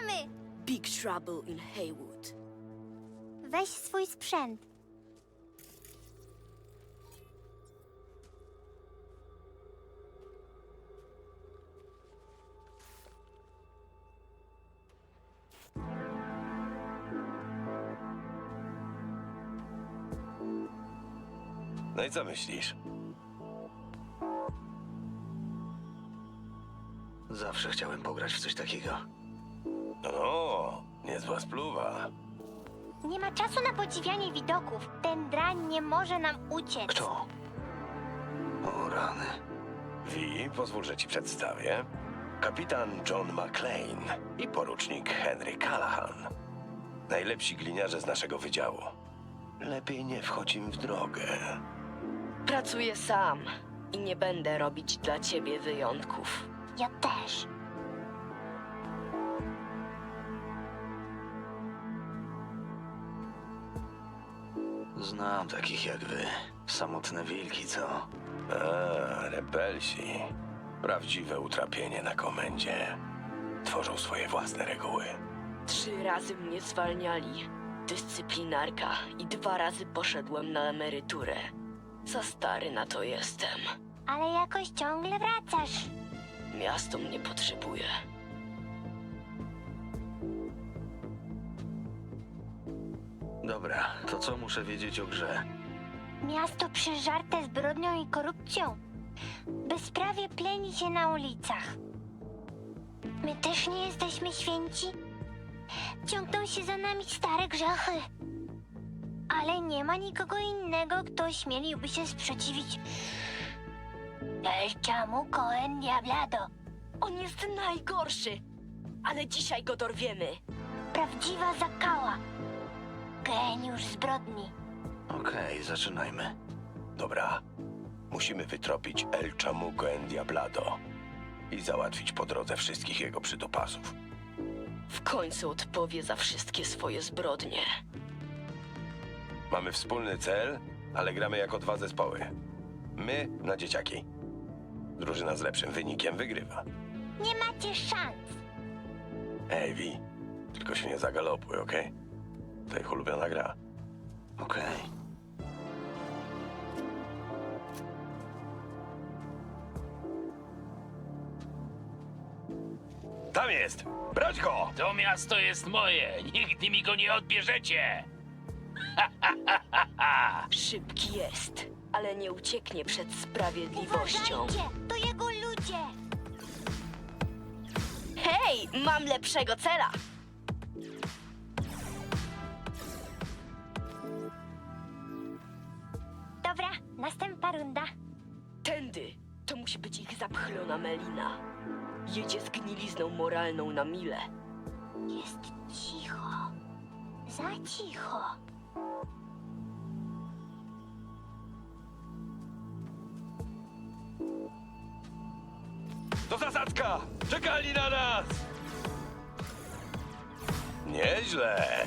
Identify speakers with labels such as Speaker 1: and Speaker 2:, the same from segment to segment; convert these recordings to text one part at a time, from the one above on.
Speaker 1: Ruszamy!
Speaker 2: Big Trouble in Haywood.
Speaker 1: Weź swój sprzęt.
Speaker 3: No i co myślisz?
Speaker 4: Zawsze chciałem pograć w coś takiego.
Speaker 3: No, niezła spluwa.
Speaker 1: Nie ma czasu na podziwianie widoków. Ten drań nie może nam uciec.
Speaker 4: Kto? O rany.
Speaker 3: Wi, pozwól, że ci przedstawię. Kapitan John McClane i porucznik Henry Callahan. Najlepsi gliniarze z naszego wydziału. Lepiej nie wchodź im w drogę.
Speaker 2: Pracuję sam i nie będę robić dla ciebie wyjątków.
Speaker 1: Ja też.
Speaker 4: Znam takich jak wy. Samotne wilki, co?
Speaker 3: A, rebelsi. Prawdziwe utrapienie na komendzie. Tworzą swoje własne reguły.
Speaker 2: 3 razy mnie zwalniali. Dyscyplinarka i 2 razy poszedłem na emeryturę. Za stary na to jestem.
Speaker 1: Ale jakoś ciągle wracasz.
Speaker 2: Miasto mnie potrzebuje.
Speaker 4: Dobra, to co muszę wiedzieć o grze?
Speaker 1: Miasto przeżarte zbrodnią i korupcją. Bezprawie pleni się na ulicach. My też nie jesteśmy święci. Ciągną się za nami stare grzechy. Ale nie ma nikogo innego, kto ośmieliłby się sprzeciwić El Chamuco en Diablado.
Speaker 2: On jest najgorszy, ale dzisiaj go dorwiemy.
Speaker 1: Prawdziwa zakała. Geniusz zbrodni.
Speaker 4: Okej, zaczynajmy.
Speaker 3: Dobra, musimy wytropić El Chamuco en Diablado i załatwić po drodze wszystkich jego przydupasów.
Speaker 2: W końcu odpowie za wszystkie swoje zbrodnie.
Speaker 3: Mamy wspólny cel, ale gramy jako 2 zespoły. My na dzieciaki. Drużyna z lepszym wynikiem wygrywa.
Speaker 1: Nie macie szans.
Speaker 3: Ej, Wi, tylko się nie zagalopuj, okej? To ich ulubiona gra.
Speaker 4: Okej.
Speaker 3: Tam jest! Brać go!
Speaker 5: To miasto jest moje. Nigdy mi go nie odbierzecie.
Speaker 2: Szybki jest, ale nie ucieknie przed sprawiedliwością.
Speaker 1: Uważajcie, to jego ludzie.
Speaker 2: Hej, mam lepszego cela!
Speaker 1: Dobra, następna runda.
Speaker 2: Tędy! To musi być ich zapchlona melina. Jedzie z gnilizną moralną na mile.
Speaker 1: Jest cicho. Za cicho.
Speaker 3: To zasadzka! Czekali na nas! Nieźle!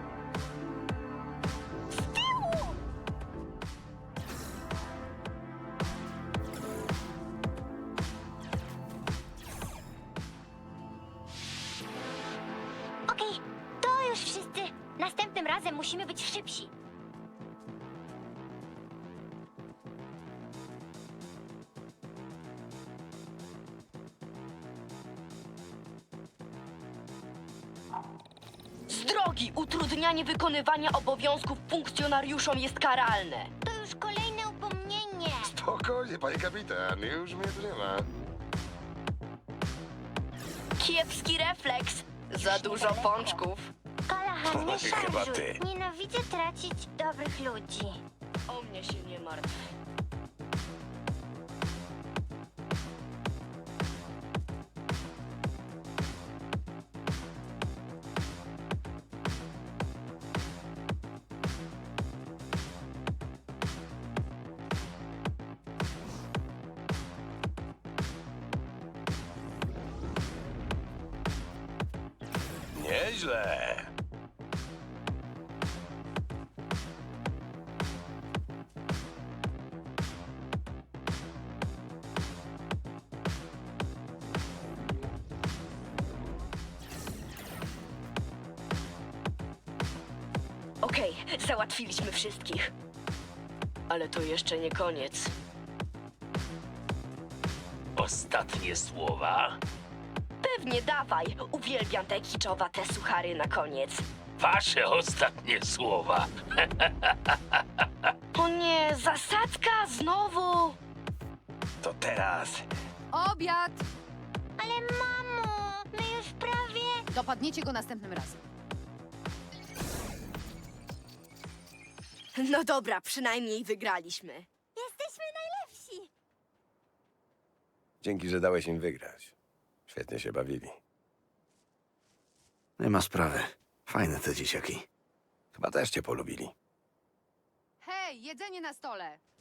Speaker 1: Okej, to już wszyscy. Następnym razem musimy być szybsi.
Speaker 2: Z drogi! Utrudnianie wykonywania obowiązków funkcjonariuszom jest karalne.
Speaker 1: To już kolejne upomnienie.
Speaker 6: Spokojnie, panie kapitan, już mnie tu nie ma.
Speaker 2: Kiepski refleks. Za dużo pączków.
Speaker 1: Callahan, nie
Speaker 3: Chyba
Speaker 1: szarżuj.
Speaker 3: ty.
Speaker 1: Nienawidzę tracić dobrych ludzi.
Speaker 2: O mnie się nie martw.
Speaker 3: Nieźle!
Speaker 2: Załatwiliśmy wszystkich. Ale to jeszcze nie koniec.
Speaker 5: Ostatnie słowa?
Speaker 2: Pewnie dawaj. Uwielbiam te kiczowate suchary na koniec.
Speaker 5: Wasze ostatnie słowa.
Speaker 2: O nie, zasadzka znowu!
Speaker 3: To teraz.
Speaker 7: Obiad!
Speaker 1: Ale mamo, my już prawie...
Speaker 7: Dopadniecie go następnym razem.
Speaker 2: No dobra, przynajmniej wygraliśmy.
Speaker 1: Jesteśmy najlepsi.
Speaker 3: Dzięki, że dałeś im wygrać. Świetnie się bawili.
Speaker 4: Nie ma sprawy. Fajne te dzieciaki.
Speaker 3: Chyba też cię polubili.
Speaker 7: Hej, jedzenie na stole!